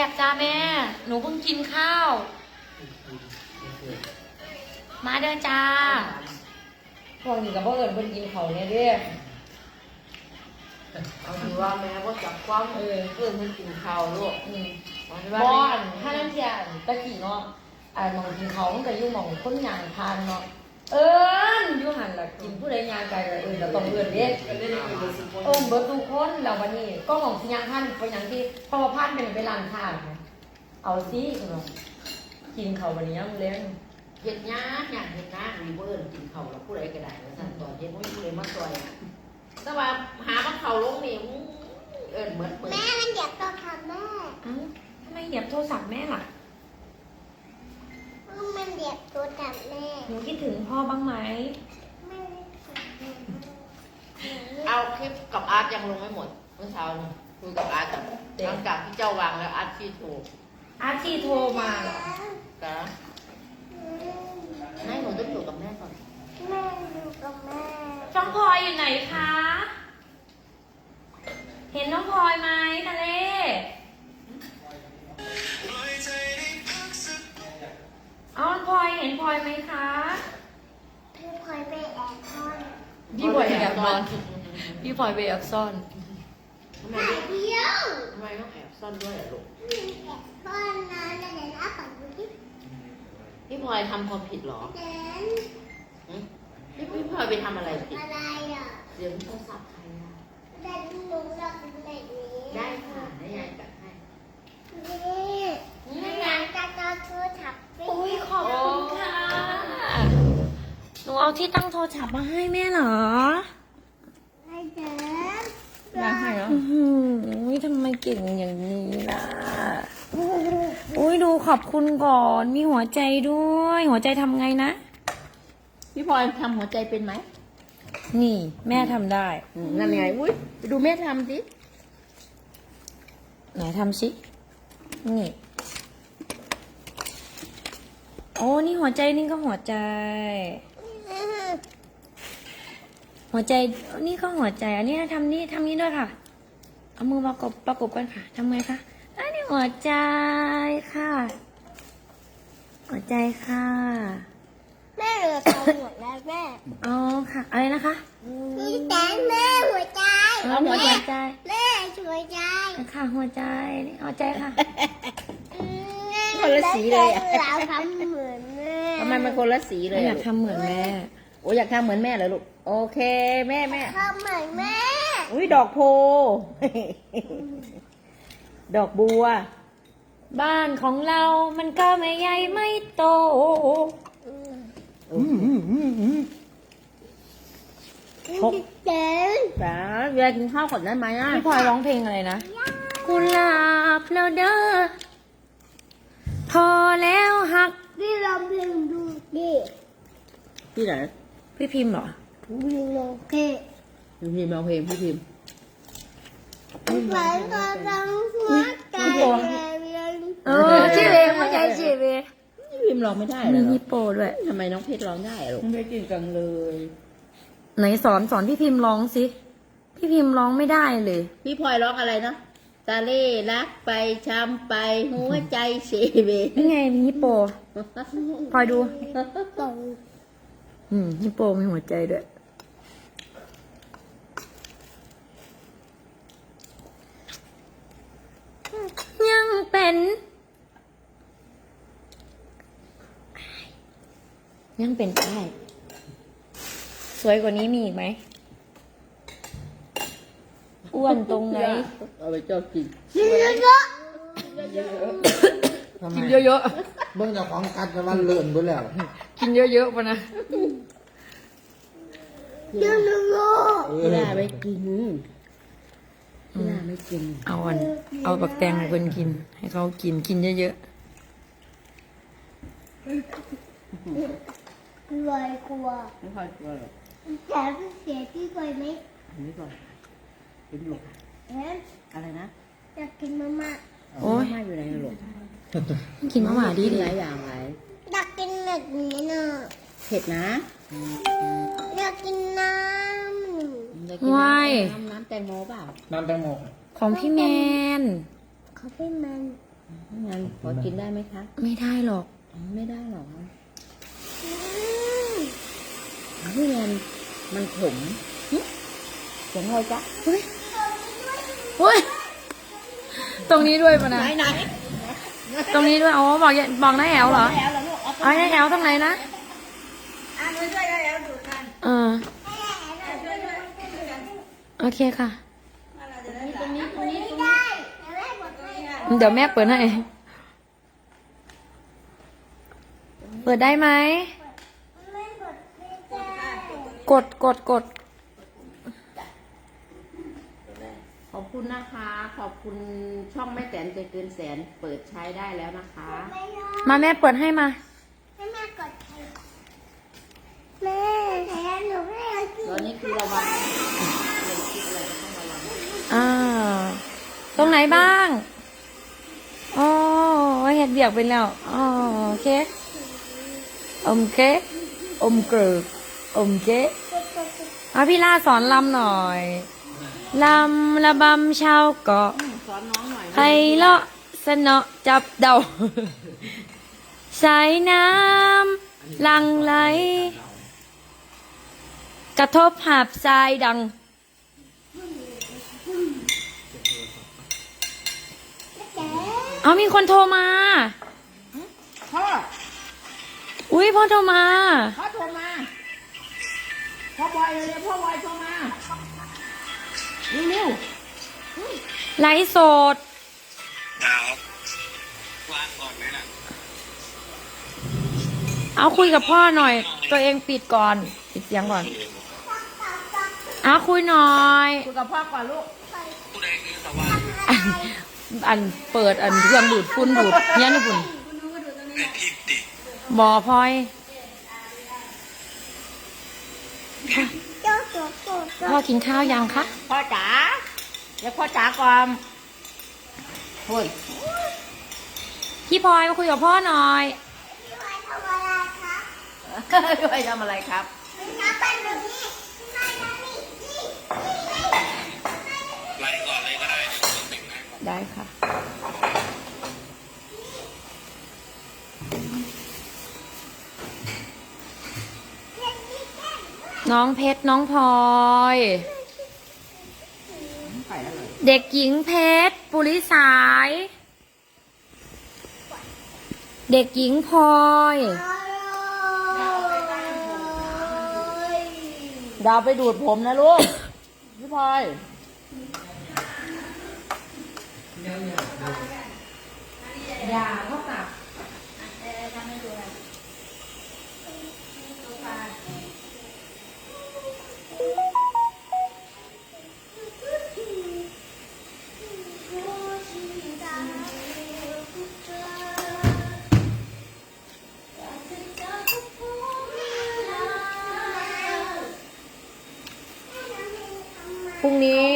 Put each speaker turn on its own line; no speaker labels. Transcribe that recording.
บจ้าแม่ หนูเพิ่งกินข้าว มาเด้อจ้าพวกนี้กับพวกเอิญเพิ่งกินเขาเนี่ยเด้อ
เอาถือว่าแม่ก็จับความเพื่อนมันกินข้าวลูก
บอนถ้าน้ำเทียนตะกี้เนาะมองกินเขามันก็อยู่มองคนยางพานเนาะอยู่หันละกินผู้ใดยางไกลละเราต้องเอิญเด้เบิร์ทุกคนแล้ววันนี้ก็มองที่ยางพานเป็นอย่างที่พอพานเป็นไปร้านข้าวเอาซิเนาะกินเขาวันนี้ยังเล่น
เห็ดยากอยากเห็ดยากมีเพื่อนกินข้าวแล้วผู้ใดก็ได้สั่งต่อเห็ดไม่ผู้ใดมาซอยแต่ว่าหามันเข่าลงนี่เหมือน
แม่มันเหยียบตัวทำแม่
ทำไมเหยียบโทรศัพท์แม่ล่ะ
มันเหยียบตัวทำแม่
หนูคิดถึงพ่อบ้างไหม
เอาคลิปกับอาร์ตยังลงไม่หมดเมื่อเช้านี่คุยกับอาร์ตหลังจากที่เจ้าวางแล้วอาร์ตที่โทร
มา
จ้ะให้หนูต้องอยู่กับแม่ก่อน
แม่อยู่กับแม่
น้องพลอยอยู่ไหนคะเห็นน้องพลอยไหมทะเลเอาพลอยเห็นพลอยไหมคะ
พี่พลอยไปแอบซ่อน
พี่พลอยแอบซ่อนพี่พลอยไปแอบซ่อน
ถ่ายเดียว
ทำไมต้องแอบซ่อนด้วยลูก
แอบซ่อนนะเดี๋ยวนะฝั่งดูที่
พี่พลอยทำความผิดหรอพี่พลอยไปทำอะไรผิด
อะไรอ่ะ
เสียงโทรศัพท์ใครอ่ะ
แต่หนูรักแบบนี้
ได้ค่ะได้ยายจัดให้
นี่งานจะโทรศัพท์
โอ้ยขอบคุณค่ะหนูเอาที่ตั้งโทรศัพท์มาให้แม่เหรอ
ให้เดิน
อยากให้เหรอทำไมเก่งอย่างนี้ล่ะอุ้ยดูขอบคุณก่อนมีหัวใจด้วยหัวใจทำไงนะ
พี่พลอยทำหัวใจเป็นไหม
นี่แม่ทำได้
นั่นไงอุ้ยไปดูแม่ทำสิ
ไหนทำสินี่โอ้นี่หัวใจนี่ก็หัวใจนี่ก็หัวใจอันนี้ทำนี่ด้วยค่ะเอามือประกบกันค่ะทำไงคะอันนี้หัวใจค่ะหัวใจค่ะ
แม่เหลือทำหมดแล้วแม่
อ๋อค่ะอะไรนะคะ
พี่แต่แม่หัวใจ
หัวใจ
แม่หัวใจ
ค่ะหัวใจนี่หัวใจค่ะ
คนละสีเลย
เราทำเหมือนแม่
ทำไมมันคนละสีเลย
อยากทำเหมือนแม่
โอ้อยากทำเหมือนแม่เหรอลูกโอเคแม่
ทำเหมือนแม่
อุ้ยดอกโพดอกบัว
บ้านของเรามันก็ไม่ใหญ่ไม่โต
เดิน
จ๋าเวลากินข้าวก่อนได้ไหมอ่ะ
พี่พลอยร้องเพลงอะไรนะกุหลาบแล้วเด้อพอแล้วหัก
พี่ลองเพลงดูดิ
พี่ไหน
พี่พิมพ์เหรอ
พี่ลองเพลง
พี่พิมพ์เอาเพลงพี่พิมพ์
พี่ไปก็ต้องหัวใจ
ชื่อเพลงไม่ใช่ชื่อเพลง
พี่พิมพ์ร้องไม่ได้เหรอ
มีฮิปโปด้วย
ทำไมน้องเพชรร้องได้ลูกไม่กินจังเลย
ไหนสอนพี่พิมพ์ร้องสิพี่พิมพ์ร้องไม่ได้เลย
พี่พลอยร้องอะไรนะตาเล่รักไปช้ำไปหัวใจเสเบ
นี่ไงมีฮิปโปพลอยดูฮิปโปมีหัวใจด้วยยังเป็นได้สวยกว่านี้มีอีกไหมอ้วนตรงไหน
เอาไปเจ้ากิน
กินเยอะ
กินเยอะ
เบิ่งจากของกัดจะมันเลื่อนไปแล้ว
กินเยอะๆป่ะนะ
กินเยอะ
พี่ลาไม่กินพี่ลาไม่กิน
เอาปักแตงของคนกินให้เขากินเยอะ
รวยกลัว
ไม่ค่อยกลัวหรอก
แต่เสียที่รวยไหม
นี่ก่อนกินหลกอะไรนะ
อยากกินมาม่า
โอ้ย
มาอยู่ไหนหลก
กินมาม่าดี
หลายอย่างหลาย
อยากกินแบบนี้น่ะ
เผ็ดนะ
อยากกินน้
ำวาย
น้ำแตงโมเปล่า
น้ำแตงโม
ของพี่แมน
ของพี่แมน
งั้นขอกินได้ไหมคะ
ไม่ได้หรอก
ไม่ได้หรอกพี่แนนมันขมเสียงอะไรจ๊ะ
เฮ้ยตรงนี้ด้วยปะนะ
ไหน
ตรงนี้ด้วยอ๋อบอกบอกน้าแอลเหรอ
แล้วลูก
อ๋อน้าแอลตรงไหนนะ
หนูช่วยแล้วดูกัน
เออโอเคค่ะ
ตรงนี้
เดี๋ยวแม่เปิดให้ เปิดได้ไหม กด
ขอบคุณนะคะ ขอบคุณช่องแม่แตนใจเกินแสนเปิดใช้ได้แล้วนะคะ
มาแม่เปิดให้มา
ให้แม่กดให้แม่แต่หนูไม่เอากิน
ตอนนี้คือระวังเรื่องคิดอะไรก็ต้องระวัง
ตรงไหนบ้างอ๋อเห็ดเบียกเป็นแล้วอ๋อโอเคอมเกะอมเกลืออมเกะพี่ล่าสอนลำหน่อยลำระบำชาวเกาะ
สอนน้องหน่อย
ไพเราะสนอจับเดาสายน้ำหลังไหล กระทบหาบทรายดัง เอามีคนโทรมา
พ่อ
อุ้ยพ่อโทรมา
พ่อโทรมาพ่อบอยเร็วๆพ่อบอยโทรมาเร็ว
ไลฟ์สด
ครับวางก่อนไหมล่ะ
เอาคุยกับพ่อหน่อย ตัวเองปิดก่อน ปิดเสียงก่อน เอาคุยหน่อย
คุยกับพ่อก่อนลูก
ผู้ใดคือสว่าง
อันเปิดอันเครื่องดูดฝุ่นดูดเนี้ยนี่ฝุ่น
ไอ้พิมติ
บอพลอย
โจ๊กโจ๊กโจ๊ก
พ่อกินข้าวยังคะ
พ่อจ๋าเดี๋ยวพ่อจ๋าก่อนโอ้ย
พี่พลอยมาคุยกับพ่อหน่อย
พี่พลอยทำอะไรครับ
ด้วยทำอะไรครับ
น้ำเป็นแบบนี้น้ำแบบนี้นี่
ไล่ก่อนเลยก็ได้เดี๋ยวผมแต่งหน้าก่อน
ได้ค่ะ น้องเพชรน้องพลอย
ไข่อะไร
เด็กหญิงเพชรปุริสาย เด็กหญิงพลอย
ดาวไปดูดผมนะลูก พี่พลอย
อย่าเท่ากับ พรุ่งนี้